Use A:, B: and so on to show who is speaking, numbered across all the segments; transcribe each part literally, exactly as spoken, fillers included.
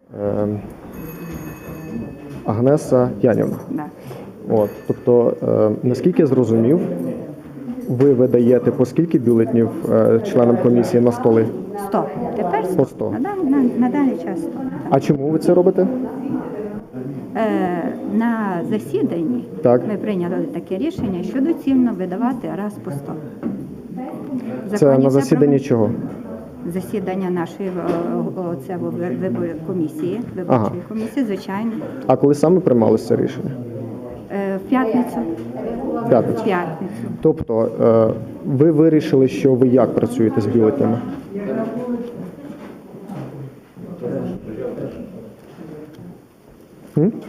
A: Е, Агнеса Янівна.
B: Да.
A: От, тобто, е, наскільки я зрозумів, ви видаєте по скільки бюлетнів е, членам комісії на столи?
B: сто. Тепер
A: По сто.
B: На, дан- на, на даний час сто.
A: А чому ви це робите?
B: Е, на засіданні
A: Так.
B: ми прийняли таке рішення, що доцільно видавати раз по сто. В
A: Це
B: законі
A: на засіданні
B: про-
A: чого?
B: Засідання нашої о, о, це, о, ви- вибор- комісії, виборчої
A: Ага.
B: комісії, звичайно.
A: А коли саме приймалося це рішення?
B: Е, в п'ятницю.
A: В п'ятницю.
B: В п'ятницю.
A: Тобто, е, ви вирішили, що ви як працюєте з бюлетнями? М?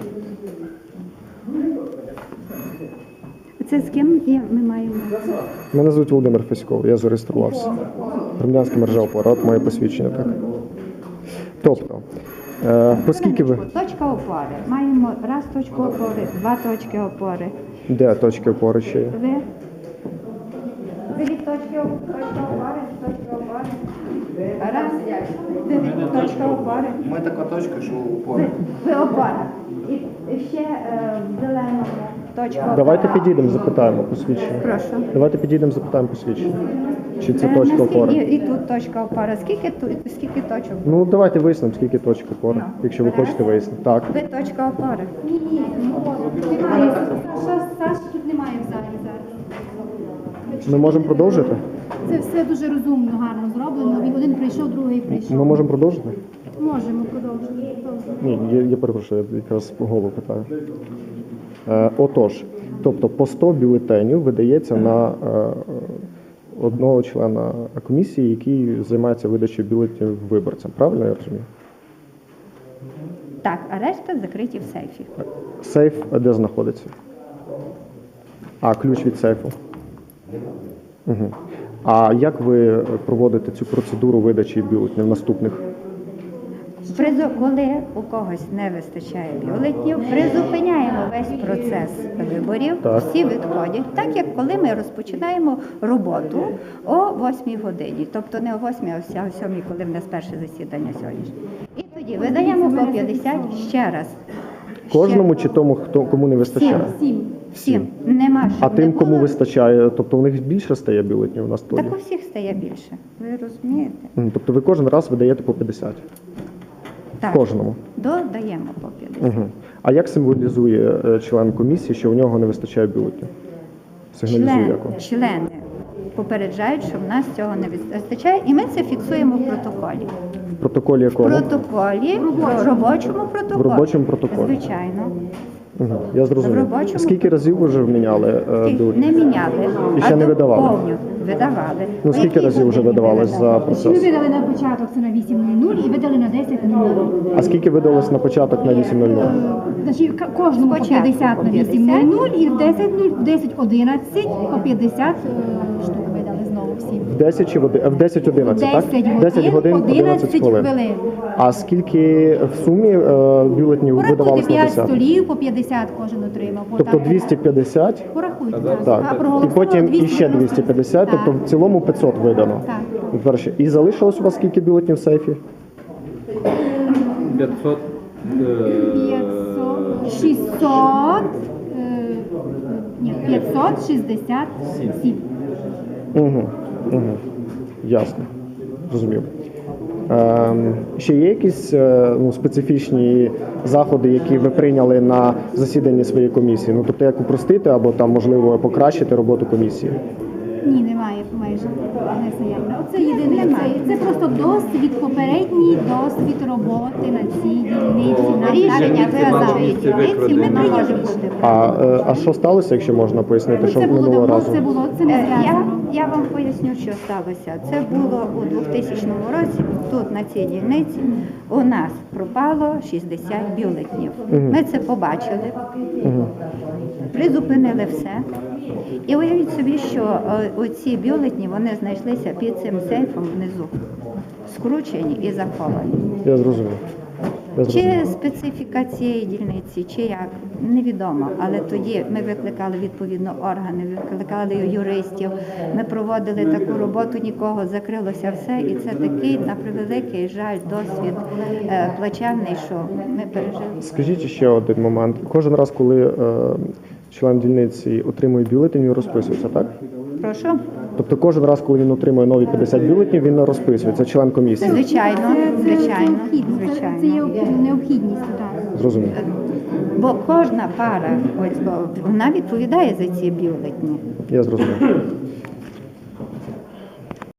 B: Це з ким є- ми маємо?
A: Мене звуть Володимир Феськов, я зареєструвався. Громадянська мережа опора, от моє посвідчення, так. Тобто, е, поскільки ви...
B: Точка опори. Маємо раз точку опори, два точки опори.
A: Де точки опори ще є?
B: Ви? Ви від точки оп- точка опори, точка опори. Раз. Ви від точка опори.
C: Ми така точка, що
B: Ви,
C: упор.
B: ви опора. І і ще е, в зеленому точка опори.
A: Давайте підійдемо, запитаємо посвідчення.
B: Прошу.
A: Давайте підійдемо, запитаємо посвідчення. Чи це
B: Е,
A: точка
B: наскільки-
A: опори?
B: І, і тут точка опора. Скільки, тут, скільки точок?
A: Ну, давайте вияснимо, скільки точок опори, якщо ви
B: Раз.
A: хочете вияснити. Так.
B: Ви точка опори.
D: Ні, ні, немає. Саша, Саші тут немає в залі зараз.
A: Ми можемо продовжити?
D: Це все дуже розумно, гарно зроблено. Він один прийшов, другий прийшов.
A: Ми можемо продовжити?
D: Можемо продовжити.
A: Ні, я, я перепрошую, я якраз голову питаю. Е, отож, тобто по сто бюлетенів видається на е, одного члена комісії, який займається видачею бюлетенів виборцям. Правильно я розумію?
B: Так, а решта закриті в сейфі.
A: Сейф де знаходиться? А, ключ від сейфу. Угу. А як ви проводите цю процедуру видачі бюлетенів наступних?
B: Призу- Коли у когось не вистачає бюлетнів, призупиняємо весь процес виборів,
A: Так.
B: всі відходять, так як коли ми розпочинаємо роботу о восьмій годині, тобто не о восьмій, а о сьомій, коли в нас перше засідання сьогоднішнє. І тоді видаємо по п'ятдесят ще раз.
A: Кожному чи тому, хто кому не вистачає?
D: Сім.
B: Всім. Нема,
A: А
B: щоб не
A: тим, кому
B: було.
A: вистачає, тобто у них більше стає бюлетенів на столі?
B: Так у всіх стає більше. Ви розумієте?
A: Мгм. Тобто ви кожен раз видаєте по п'ятдесят?
B: Так.
A: Кожному?
B: Додаємо по п'ятдесят.
A: Угу. А як символізує е, член комісії, що у нього не вистачає бюлетенів? Сигналізує
B: Член,
A: як? вам?
B: члени попереджають, що в нас цього не вистачає, і ми це фіксуємо в протоколі.
A: В протоколі
B: В
A: якому?
B: протоколі, в робочому протоколі.
A: В робочому протоколі.
B: Звичайно.
A: Угу. Я зрозумів.
B: В робочому-
A: Скільки разів ви вже міняли е,
B: Ті-
A: бюлетені?
B: Не міняли,
A: І ще
B: а
A: не видавали?
B: доповню. Видавали.
A: Ну
B: О
A: скільки
B: якій
A: разів вже
B: годині
A: видавалось
B: ви
A: за
B: видавали?
D: Ми
A: процес?
D: видали на початок це на вісім нуль нуль і видали на десять нуль нуль.
A: А скільки видалось на початок на вісім нуль нуль?
D: Значить, к- кожному по
B: Спочатку
D: п'ятдесят на
B: по
D: вісім нуль
B: п'ятдесят.
D: нуль і в десять нуль, в десять одинадцять по п'ятдесят е, штук видали знову всім.
A: В десять чи в оди- в десять одинадцять, так?
D: десять годин, одинадцять
A: хвилин.
D: хвилин.
A: А скільки в сумі е, бюлетенів
D: Порахуйте
A: видавалось на
D: п'ять
A: десяток?
D: столів, по п'ятдесят кожен отримав. Бо
A: Тобто
D: так-
A: двісті п'ятдесят?
D: Порахуйте.
A: Так.
D: А
A: І
D: проголосувало
A: потім іще
D: двісті
A: двісті п'ятдесят,
D: Так.
A: тобто в цілому п'ятсот видано.
D: Так.
A: Перше. І залишилось у вас скільки бюлетенів в сейфі?
E: п'ятсот.
D: п'ятсот, шістсот, е, ні, п'ятсот шістдесят сім.
A: Угу. Угу. Ясно. Зрозумів. Ем, ще є якісь е, ну, специфічні заходи, які ви прийняли на засіданні своєї комісії? Ну, тобто, як упростити або там, можливо, покращити роботу комісії?
D: Ні, немає майже. Не заявлено. Оце єдине. Це, це просто досвід, попередній досвід роботи на цій дільниці. На
B: Рішення
D: так,
B: виразової
E: Це
B: дільниці ми
E: викладено.
B: прийняли.
A: А, е, а що сталося, якщо можна пояснити,
D: Ну,
A: що
D: це було
A: минулого
D: давно,
A: разу?
D: це було, це не
B: Е, Я,
D: зв'язано.
B: я вам поясню, що сталося. Це було у двохтисячному році. Тут на цій дільниці у нас пропало шістдесят бюлетнів. Ми це побачили, призупинили все. І уявіть собі, що е, оці бюлетні вони знайшлися під цим сейфом внизу, скручені і заховані.
A: Я зрозумів. Я
B: Чи
A: зрозумів.
B: специфіка цієї дільниці, чи як, невідомо. Але тоді ми викликали відповідно органи, викликали юристів, ми проводили таку роботу, нікого, закрилося все. І це такий, на превеликий жаль, досвід е, плачевний, що ми пережили.
A: Скажіть ще один момент. Кожен раз, коли е, член дільниці отримує бюлетень, він розписується, так?
B: Прошу.
A: Тобто кожен раз, коли він отримує нові п'ятдесят бюлетнів, він розписується, член комісії.
B: Звичайно,
D: Це, це
B: звичайно,
D: необхідно. Це, це є
B: звичайно.
D: необхідність. Так.
A: Зрозумів.
B: Бо кожна пара, ось, бо вона відповідає за ці бюлетні.
A: Я зрозумів.